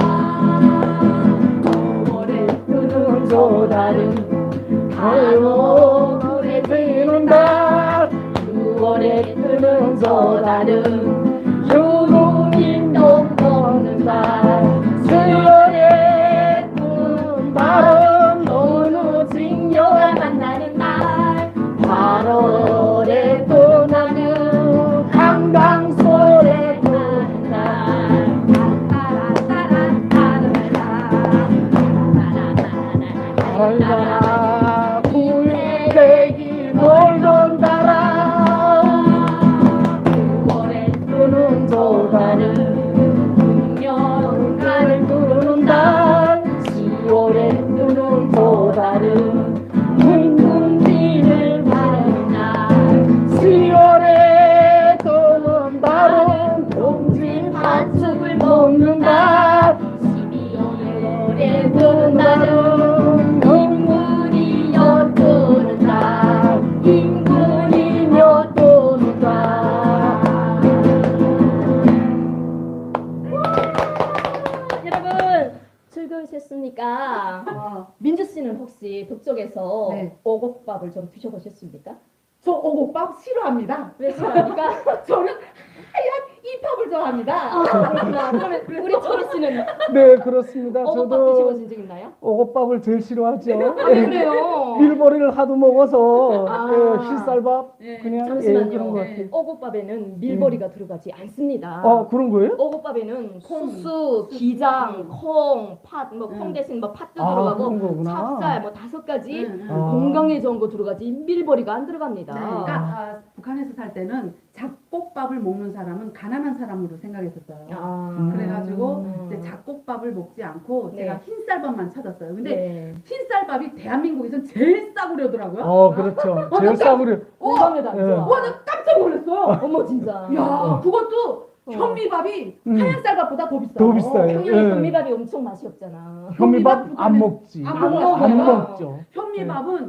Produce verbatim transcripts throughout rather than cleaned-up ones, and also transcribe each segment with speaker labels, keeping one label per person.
Speaker 1: 구월에
Speaker 2: 뜨는 저 달은 가요 노래 드는 달
Speaker 1: 구월에 뜨는 저 달은
Speaker 2: 효노인도 먹는 달 수요일에 뜨는 달은 어느 직녀가
Speaker 1: 만나는 날
Speaker 2: 팔월에 떠나는 강강솔에 뜨는 달 달달아 불백이 놀던 달아
Speaker 1: 구월에
Speaker 2: 뜨는 저 달은
Speaker 1: 운명가를
Speaker 2: 뜨는 달 시월에 뜨는 저 달은 둥근 비를 바라는 날 시월에 뜨는 달은 동지 팥죽을 먹는 달
Speaker 1: 십이월에 뜨는 날은
Speaker 2: 인군이 엿드는 달 인군이 엿드는 달
Speaker 1: 여러분 즐거우셨습니까?
Speaker 3: 아,
Speaker 1: 민주 씨는 혹시 북쪽에서
Speaker 3: 네.
Speaker 1: 오곡밥을 좀 드셔보셨습니까?
Speaker 3: 저 오곡밥 싫어합니다.
Speaker 1: 왜 싫어합니까?
Speaker 3: 저는 하얀 이 팝을 좋아합니다.
Speaker 1: 아, 그렇구나. 그러면 우리 초리 씨는
Speaker 2: 네 그렇습니다.
Speaker 1: 오곡밥
Speaker 2: 저도
Speaker 1: 드셔보신 적 있나요?
Speaker 2: 오곡밥을 제일 싫어하죠.
Speaker 1: 아, 그래요?
Speaker 2: 밀보리를 하도 먹어서
Speaker 1: 아.
Speaker 2: 예, 흰쌀밥
Speaker 3: 예,
Speaker 2: 그냥 예,
Speaker 1: 잠시만요.
Speaker 2: 그런 것
Speaker 3: 예.
Speaker 2: 같아요.
Speaker 1: 오곡밥에는 밀보리가 들어가지 않습니다.
Speaker 2: 어 그런 거예요?
Speaker 1: 오곡밥에는
Speaker 3: 콩.
Speaker 1: 수수, 기장,
Speaker 3: 음.
Speaker 1: 콩, 팥, 뭐 콩
Speaker 3: 음.
Speaker 1: 대신 뭐 팥도
Speaker 2: 아
Speaker 1: 들어가고
Speaker 2: 그런 거구나.
Speaker 1: 찹쌀 뭐 다섯 가지
Speaker 3: 응, 응.
Speaker 2: 아.
Speaker 1: 건강에 좋은 거 들어가지 밀보리가 안 들어갑니다.
Speaker 3: 네, 그러니까 아, 북한에서 살 때는 잡곡밥을 먹는 사람은 가난한 사람으로 생각했었어요.
Speaker 1: 아,
Speaker 2: 음.
Speaker 3: 그래가지고
Speaker 1: 음.
Speaker 3: 이제 잡곡밥을 먹지 않고
Speaker 1: 네.
Speaker 3: 제가 흰쌀밥만 찾았어요. 근데
Speaker 1: 네.
Speaker 3: 흰쌀밥이 대한민국에선 제일 싸구려더라고요.
Speaker 2: 어 그렇죠. 제일 싸구려.
Speaker 1: 공감해도 안
Speaker 2: 예.
Speaker 1: 좋아.
Speaker 3: 와, 나 깜짝 놀랐어요.
Speaker 1: 어머 진짜.
Speaker 3: 야, 그것도
Speaker 1: 어.
Speaker 3: 현미밥이
Speaker 2: 음.
Speaker 3: 하얀 쌀밥보다 더 비싸요.
Speaker 2: 더 비싸요.
Speaker 1: 평양에
Speaker 2: 예.
Speaker 1: 현미밥이 엄청 맛이 없잖아.
Speaker 2: 현미밥
Speaker 3: 현미밥
Speaker 2: 안 먹지.
Speaker 3: 안
Speaker 1: 먹어요.
Speaker 2: 안 먹죠.
Speaker 3: 현미밥은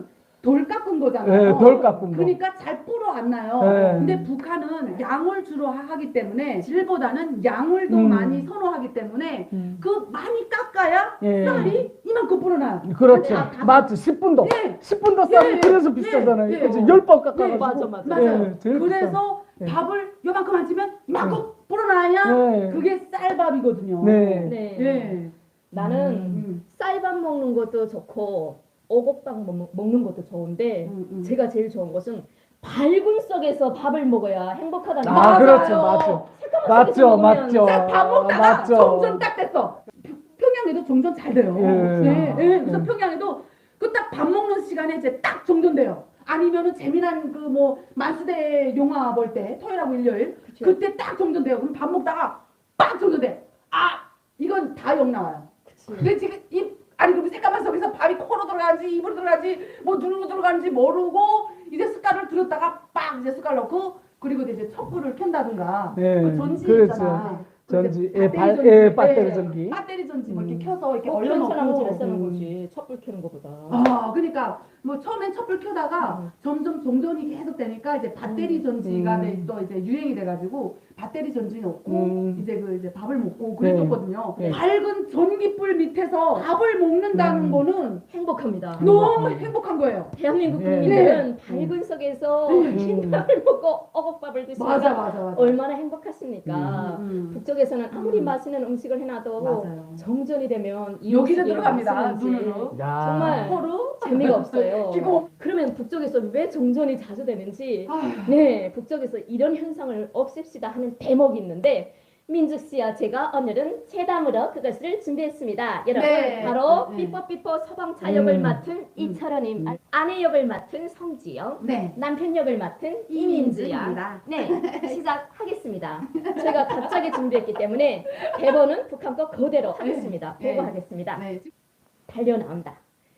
Speaker 3: 돌 깎은 거잖아요.
Speaker 2: 네, 돌 깎은 거.
Speaker 3: 그러니까 잘 불어 안 나요.
Speaker 2: 네.
Speaker 3: 근데 북한은 양을 주로 하- 하기 때문에 질보다는 양을 더
Speaker 2: 음.
Speaker 3: 많이 선호하기 때문에
Speaker 2: 음.
Speaker 3: 그 많이 깎아야
Speaker 2: 예.
Speaker 3: 쌀이 이만큼 불어나요.
Speaker 2: 그렇죠.
Speaker 3: 다- 다-
Speaker 2: 맞죠. 십 분도.
Speaker 3: 예.
Speaker 2: 십 분도 쌀이
Speaker 3: 예,
Speaker 2: 그래서
Speaker 3: 예,
Speaker 2: 비싸잖아요.
Speaker 3: 예,
Speaker 2: 그래서
Speaker 3: 예.
Speaker 2: 열 번 깎아가지고.
Speaker 1: 네, 맞아, 맞아.
Speaker 3: 맞아요.
Speaker 2: 예, 제일
Speaker 3: 그래서
Speaker 2: 비싸. 예.
Speaker 3: 밥을 요만큼 안 치면 이만큼 불어나야
Speaker 2: 네.
Speaker 3: 그게 쌀밥이거든요.
Speaker 2: 네.
Speaker 1: 네.
Speaker 3: 예.
Speaker 1: 나는
Speaker 3: 음.
Speaker 1: 쌀밥 먹는 것도 좋고 오곡밥 먹- 먹는 것도 좋은데
Speaker 3: 음, 음.
Speaker 1: 제가 제일 좋은 것은 밝은 속에서 밥을 먹어야 행복하다는
Speaker 2: 아,
Speaker 3: 맞아요.
Speaker 2: 그렇죠. 맞죠. 맞죠. 맞죠.
Speaker 3: 쌀밥 먹다가
Speaker 2: 맞죠.
Speaker 3: 정전 딱 됐어. 평양에도 정전 잘 돼요.
Speaker 2: 예.
Speaker 3: 네, 예. 그래서
Speaker 2: 예.
Speaker 3: 평양에도 그 딱 밥 먹는 시간에 이제 딱 정전돼요. 아니면은 재미난 그 뭐 만수대 영화 볼 때 토요일하고 일요일
Speaker 1: 그쵸.
Speaker 3: 그때 딱 정전돼요. 그럼 밥 먹다가 빡 정전돼. 아 이건 다 욕 나와요.
Speaker 1: 그치.
Speaker 3: 근데 지금 입 아니 그럼 새까만 속에서 밥이 코로 들어가는지 입으로 들어가는지 뭐 눈으로 들어가는지 모르고 이제 숟갈을 들었다가 빡 이제 숟갈 넣고 그리고 이제 촛불을 켠다든가
Speaker 2: 네,
Speaker 3: 그 전지
Speaker 2: 그렇죠.
Speaker 3: 있잖아.
Speaker 2: 전지,
Speaker 3: 그때
Speaker 2: 예, 발-
Speaker 3: 전지,
Speaker 2: 예, 배터리
Speaker 3: 예,
Speaker 2: 전기.
Speaker 3: 배터리 전지 뭐
Speaker 2: 음.
Speaker 3: 이렇게 켜서 이렇게
Speaker 1: 어, 그런 사람은 잘
Speaker 3: 얼려놓고
Speaker 1: 쓰는
Speaker 2: 음.
Speaker 1: 거지. 촛불 켜는 것보다.
Speaker 3: 아 그러니까 뭐 처음엔 촛불 켜다가
Speaker 1: 음.
Speaker 3: 점점 종전이 계속 되니까 이제 배터리
Speaker 1: 음.
Speaker 3: 전지가
Speaker 2: 음.
Speaker 3: 돼- 또 이제 유행이 돼가지고 배터리 전지 넣고
Speaker 2: 음.
Speaker 3: 이제 그 이제 밥을 먹고 그랬었거든요.
Speaker 2: 네.
Speaker 3: 밝은 전기불 밑에서 밥을 먹는다는
Speaker 2: 음.
Speaker 3: 거는
Speaker 1: 행복합니다.
Speaker 3: 너무
Speaker 2: 음.
Speaker 3: 행복한 거예요.
Speaker 1: 대한민국
Speaker 2: 네.
Speaker 1: 국민들은
Speaker 2: 네.
Speaker 1: 밝은 속에서
Speaker 3: 음.
Speaker 1: 흰밥을 먹고 어곡밥을 드시니까
Speaker 3: 맞아 맞아 맞아.
Speaker 1: 얼마나 행복하십니까?
Speaker 3: 음.
Speaker 1: 북쪽에서는 아무리
Speaker 3: 음.
Speaker 1: 맛있는 음식을 해놔도
Speaker 3: 맞아요.
Speaker 1: 정전이 되면 이
Speaker 3: 여기를
Speaker 1: 음식이
Speaker 3: 들어갑니다.
Speaker 1: 맛있는지
Speaker 3: 눈으로.
Speaker 2: 야.
Speaker 1: 정말
Speaker 3: 코로
Speaker 1: 재미가 없어요.
Speaker 3: 기고.
Speaker 1: 그러면 북쪽에서 왜 정전이 자주 되는지
Speaker 3: 아휴.
Speaker 1: 네, 북쪽에서 이런 현상을 없앱시다 하는 대목이 있는데 민숙 씨와 제가 오늘은 체담으로 그것을 준비했습니다. 여러분
Speaker 3: 네.
Speaker 1: 바로
Speaker 3: 네.
Speaker 1: 삐뽀삐뽀 서방차 역을
Speaker 2: 음.
Speaker 1: 맡은 이철원님,
Speaker 2: 음.
Speaker 1: 아내 역을 맡은 성지영,
Speaker 3: 네.
Speaker 1: 남편 역을 맡은 이민주야.
Speaker 3: 이민주입니다.
Speaker 1: 네, 시작하겠습니다. 제가 갑자기 준비했기 때문에 대본은 북한 거 그대로 하겠습니다.
Speaker 3: 네.
Speaker 1: 보고하겠습니다.
Speaker 3: 네.
Speaker 1: 달려 나온다.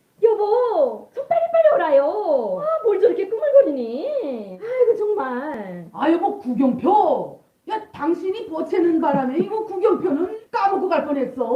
Speaker 1: 여보, 좀 빨리빨리 오라요. 아, 뭘 저렇게 꾸물거리니? 아이고 정말.
Speaker 3: 아 여보 구경표. 야 당신이 보채는 바람에 이거 구경표는 까먹고 갈 뻔했어.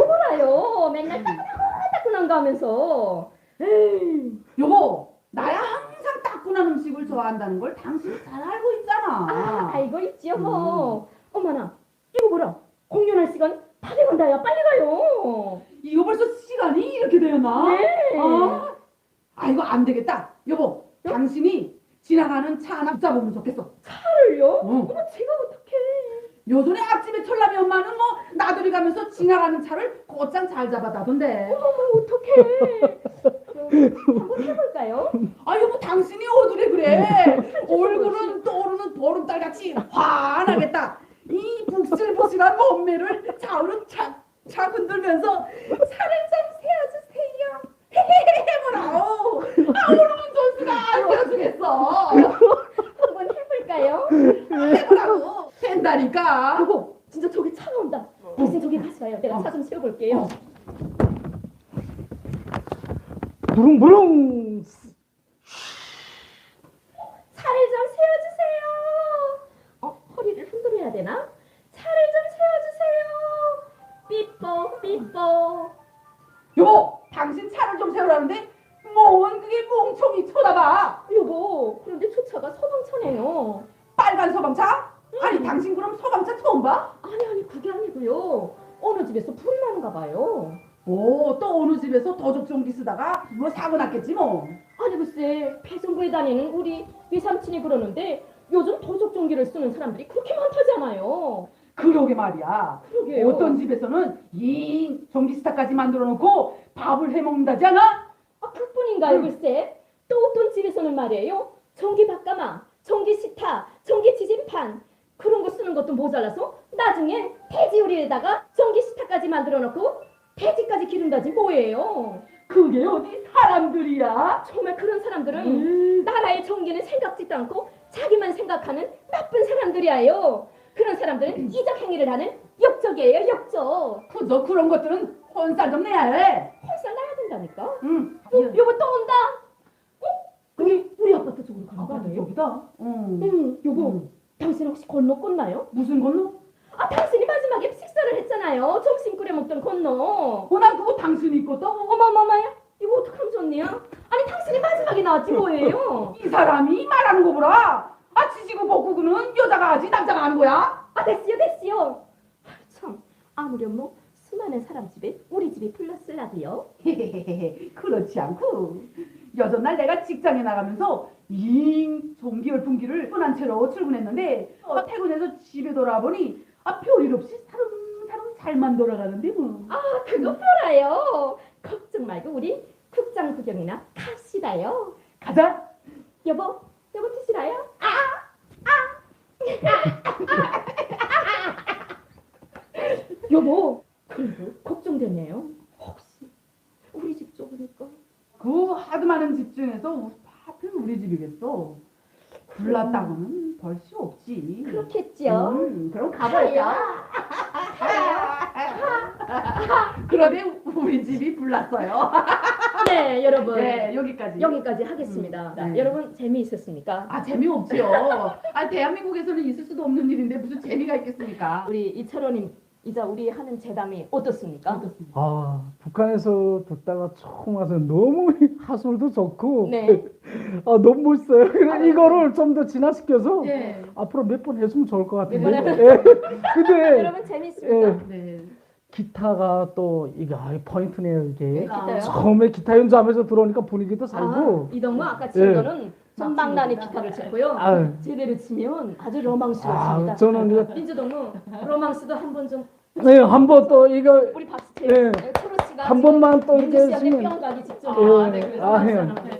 Speaker 1: 오라요. 맨날 따끈따끈한 거 하면서. 에이.
Speaker 3: 여보 나야 항상 따끈한 음식을 좋아한다는 걸 당신이 잘 알고 있잖아.
Speaker 1: 아, 알고 있지 여보. 어머나, 이거 보라. 공연할 시간 다 돼간다요. 빨리 가요.
Speaker 3: 이거 벌써 시간이 이렇게 되었나?
Speaker 1: 네.
Speaker 3: 아, 아 이거 안 되겠다. 여보 당신이 지나가는 차 하나 붙잡으면 좋겠어.
Speaker 1: 차를요?
Speaker 3: 어.
Speaker 1: 어머, 제가 어떡해.
Speaker 3: 요전에 앞집에 철남이 엄마는 뭐 나들이 가면서 지나가는 차를 곧장 잘 잡아다던데.
Speaker 1: 어머, 어떡해. 그럼 한번 해볼까요?
Speaker 3: 아 여보 당신이 어두래 그래. 얼굴은 떠오르는 보름달 같이 환하겠다. 이 북실북실한 몸매를 좌우로 착착 흔들면서 차를 좀 세워주세요. 해보라오. 아 오르면 존수가 안 되어주겠어.
Speaker 1: 한번 해볼까요?
Speaker 3: 해보라고. 된다니까.
Speaker 1: 여보, 진짜 저기 차가 온다. 대신 저기 가서 가요. 내가
Speaker 3: 어.
Speaker 1: 차 좀 세워볼게요.
Speaker 3: 어.
Speaker 2: 부릉부릉.
Speaker 1: 차를 좀 세워주세요. 어, 허리를 흔들어야 되나? 차를 좀 세워주세요. 삐뽀 삐뽀.
Speaker 3: 여보 당신 차를 좀 세우라는데 뭔 그게 멍청이 쳐다봐.
Speaker 1: 여보, 그런데 저 차가 서방차네요.
Speaker 3: 빨간 소방차? 아니 당신 그럼 소방차 처음 봐?
Speaker 1: 아니 아니 그게 아니고요. 어느 집에서 불이 나는가 봐요.
Speaker 3: 오, 또 어느 집에서 도적종기 쓰다가 뭐 사고 났겠지 뭐.
Speaker 1: 아니 글쎄 배송부에 다니는 우리 외삼촌이 그러는데 요즘 도적종기를 쓰는 사람들이 그렇게 많다잖아요.
Speaker 3: 그러게 말이야.
Speaker 1: 그러게요.
Speaker 3: 어떤 집에서는 이 전기스타까지 만들어 놓고 밥을 해 먹는다지 않아?
Speaker 1: 아, 그뿐인가요
Speaker 3: 음.
Speaker 1: 글쎄? 또 어떤 집에서는 말이에요. 전기 밥가마, 전기 시타, 전기 지진판 그런 거 쓰는 것도 모자라서 나중엔 돼지 요리에다가 전기 시타까지 만들어 놓고 돼지까지 기른다지 뭐예요.
Speaker 3: 그게 어디 사람들이야?
Speaker 1: 정말 그런 사람들은
Speaker 3: 음.
Speaker 1: 나라의 정기는 생각지도 않고 자기만 생각하는 나쁜 사람들이에요. 그런 사람들은 이적 행위를 하는 역적이에요, 역적.
Speaker 3: 그저 그런 것들은 혼살 좀 내야 해.
Speaker 1: 헐살 나야 된다니까.
Speaker 3: 응.
Speaker 1: 어, 여보 또 온다. 어? 우리 우리 아파트 쪽으로 가는 거
Speaker 3: 아빠도
Speaker 1: 아니에요?
Speaker 3: 여기다. 응.
Speaker 1: 응, 여보.
Speaker 3: 응.
Speaker 1: 당신 혹시 건너 꽂나요?
Speaker 3: 무슨 건너?
Speaker 1: 아, 당신이 마지막에 식사를 했잖아요. 점심 끓여 먹던 건너.
Speaker 3: 어, 난 그거 당신이 있거든.
Speaker 1: 어머머머야, 이거 어떡하면 좋니요? 아니, 당신이 마지막에 나지 뭐예요?
Speaker 3: 이 사람이 말하는 거 보라. 아 지지고 볶고는 여자가 하지 남자가 하는 거야?
Speaker 1: 아 됐어요 됐어요. 아, 참 아무렴 뭐 수많은 사람 집에 우리 집이 플러스라고요.
Speaker 3: 그렇지 않고 여전날 내가 직장에 나가면서 잉 종기열 분기를 뻔한 채로 출근했는데 어, 퇴근해서 집에 돌아보니 아 별일 없이 사름사름 잘만 돌아가는데 뭐.
Speaker 1: 아 그거 보라요. 걱정 말고 우리 극장 구경이나 갑시다요.
Speaker 3: 가자.
Speaker 1: 여보 여보 드시라요? 여보 그래도 걱정되네요. 혹시 우리 집 좁으니까
Speaker 3: 그 하도 많은 집 중에서 하필 우리 집이겠어. 불났다고는 벌 수 없지.
Speaker 1: 그렇겠죠.
Speaker 3: 음, 그럼 가볼까?
Speaker 1: 가요.
Speaker 3: 그런데 우리 집이 불났어요.
Speaker 1: 네 여러분
Speaker 3: 네, 여기까지.
Speaker 1: 여기까지 하겠습니다.
Speaker 3: 음, 네.
Speaker 1: 여러분 재미있었습니까?
Speaker 3: 아 재미없지요. 아 대한민국에서는 있을 수도 없는 일인데 무슨 재미가 있겠습니까?
Speaker 1: 우리 이철원님 이자 우리 하는 재담이 어떻습니까?
Speaker 3: 어떻습니까?
Speaker 2: 아, 북한에서 듣다가 처음 와서 너무 하술도 좋고
Speaker 1: 네.
Speaker 2: 아, 너무 멋있어요. 그래,
Speaker 3: 아, 네.
Speaker 2: 이거를 좀 더 진화시켜서
Speaker 3: 네.
Speaker 2: 앞으로 몇 번 했으면 좋을 것 같은데.
Speaker 1: 몇 번
Speaker 2: 예. 근데
Speaker 1: 여러분 재밌습니까?
Speaker 2: 예.
Speaker 3: 네.
Speaker 2: 기타가 또 이게 아, 포인트네요 이게.
Speaker 1: 네, 기타요?
Speaker 2: 처음에 기타 연주하면서 들어오니까 분위기도 살고.
Speaker 1: 아, 이동무 아까 친
Speaker 2: 예.
Speaker 1: 거는 전방단이 기타를 쳤고요.
Speaker 2: 아유.
Speaker 1: 제대로 치면 아주 로망스럽습니다.
Speaker 2: 아, 저는 이거
Speaker 1: 민주동무 로망스도 한 번 좀
Speaker 2: 네, 한번 또 이거
Speaker 1: 우리 박수
Speaker 2: 예.
Speaker 1: 네. 초로 씨가
Speaker 2: 한 번만 또
Speaker 1: 민주
Speaker 2: 이렇게
Speaker 1: 씨한테
Speaker 2: 쓰면
Speaker 1: 뿅 가기 직전.
Speaker 2: 예.
Speaker 1: 네, 그래서
Speaker 2: 아,
Speaker 1: 박수
Speaker 2: 예.
Speaker 1: 하나. 네.